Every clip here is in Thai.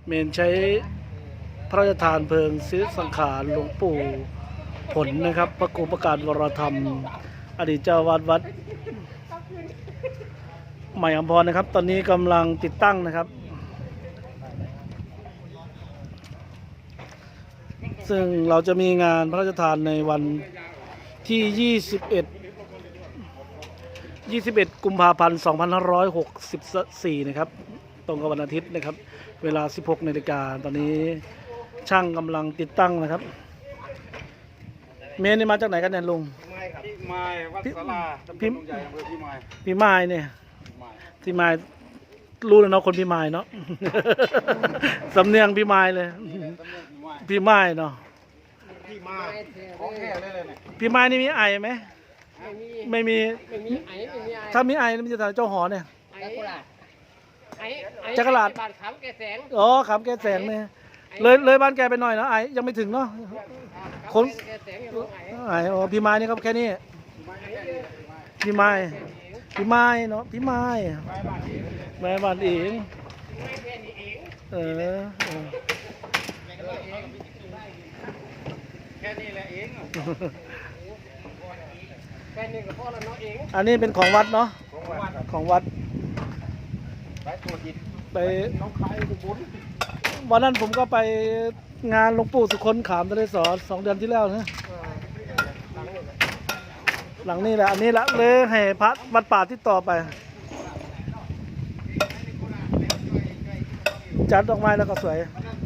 เมนใช้พระราชทานเพลิงศิริสังขารหลวงปู่ผลนะครับพระครูประกาศวรธรรมอดีตเจ้าวาดวัดใหม่อัมพรนะครับตอนนี้กำลังติดตั้งนะครับซึ่งเราจะมีงานพระราชทานในวันที่ 21 กุมภาพันธ์ 2564 นะครับตรงกับวันอาทิตย์นะครับเวลา 16 นาฬิกาตอนนี้ช่างกำลังติดตั้งนะครับเมนนี่มาจากไหนกันเนี่ยลุงพี่ไม้วัดศาลาตำบลดงใหญ่อำเภอพี่ไม้พี่ไม้เนี่ยพี่ไม้รู้เลยเนาะคนพี่ไม้เนาะ สำเนียงพี่ไม้เลยพี่ไม้เนาะพี่ไม้ของแท้เลยเนี่ยพี่ไม้นี่มีไอไหมไม่มีถ้ามีไอมันจะทำเจ้าหอเนี่ยจักรลาดบ้านขำแกแสงอ๋อขำแกแสงเนี่ยเลยบ้านแกไปหน่อยนะไอยังไม่ถึงเนาะคนไออ๋อพี่ไม้นี่ครับแค่นี้พี่ไม้เนาะพี่ไม้แม่บ้านเองแค่นี้แหละเองแค่นี้ก็พอแล้วเนาะเองอันนี้เป็นของวัดเนาะของวัดไปตัวจิตไปน้องคายอุบลวันนั้นผมก็ไปงานหลวงปู่สุคนขามทะเลสอ2 เดือนที่แล้วนะหลังนี้แหละอันนี้ละเลยให้พระวัดป่าที่ต่อไปจัดดอกไม้แล้วก็สวย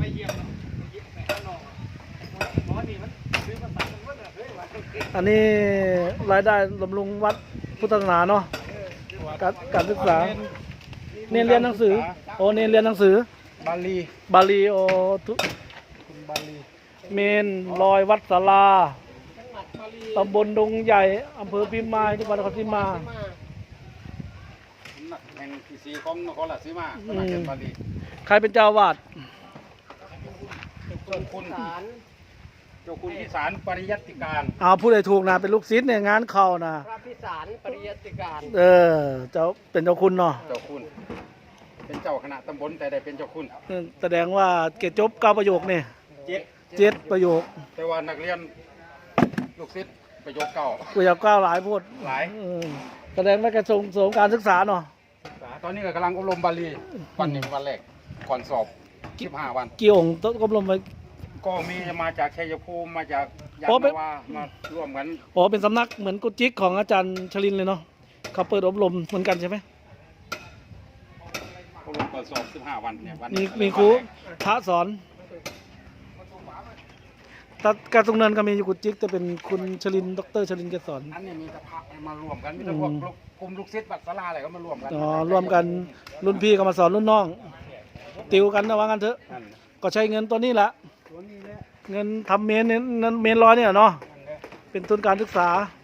อันนี้รายได้บำรุงวัดพุทธศาสนาเนาะการศึกษาเน้นเรียนหนังสือโอ้เน้นเรียนหนังสือบาลีโอทุบาลีเมนลอยวัดศาลาตำบลดงใหญ่อำเภอพิมายจังหวัดนครศรีมาแห่งที่สีของนครราชสีมาสำนักเรียนบาลีใครเป็นเจ้าวาดเจ้าคุณพิสารปริยัติการพูดได้ถูกนะเป็นลูกศิษย์เนี่ยงานเข้านะพระพิสารปริยัติการเจ้าเป็นเจ้าคุณเนาะเจ้าคุณเป็นเจ้าคณะตำบลแต่ได้เป็นเจ้าคุณแสดงว่าเกจจบ9 ประโยคเนี่ย7 ประโยคแต่ว่านักเรียนลูกศิษย์ประโยค 9หลายพูดหลายแสดงว่าแกส่งเสริมการศึกษาเนาะตอนนี้ก็กำลังอบรมบาลีวันนี้วันแรกก่อนสอบ15 วันกี่องค์ต้องอบรมไว้ก็มีมาจากชัยภูมิมาจากยานาวามาร่วมกันเป็นสำนักเหมือนกุจิกของอาจารย์ชลินเลยเนาะเขาเปิดอบรมเหมือนกันใช่ไหมอบรมก่อนสอบ15 วันเนี่ยวันมีครูพระสอนแต่การทรงเนินก็มีอยู่กุจิกแต่เป็นคุณชลินดรชลินแกสอนอันนี้มีแต่พระมารวมกันมีแต่พวกกลุ่มลูกศิษย์วัดศาลาอะไรก็มารวมกันรวมกันรุ่นพี่ก็มาสอนรุ่นน้องติวกันนะว่างั้นเถอะก็ใช้เงินตัวนี้แหละเงินทำเมนลอยเนี่ยเนาะเป็นทุนการศึกษา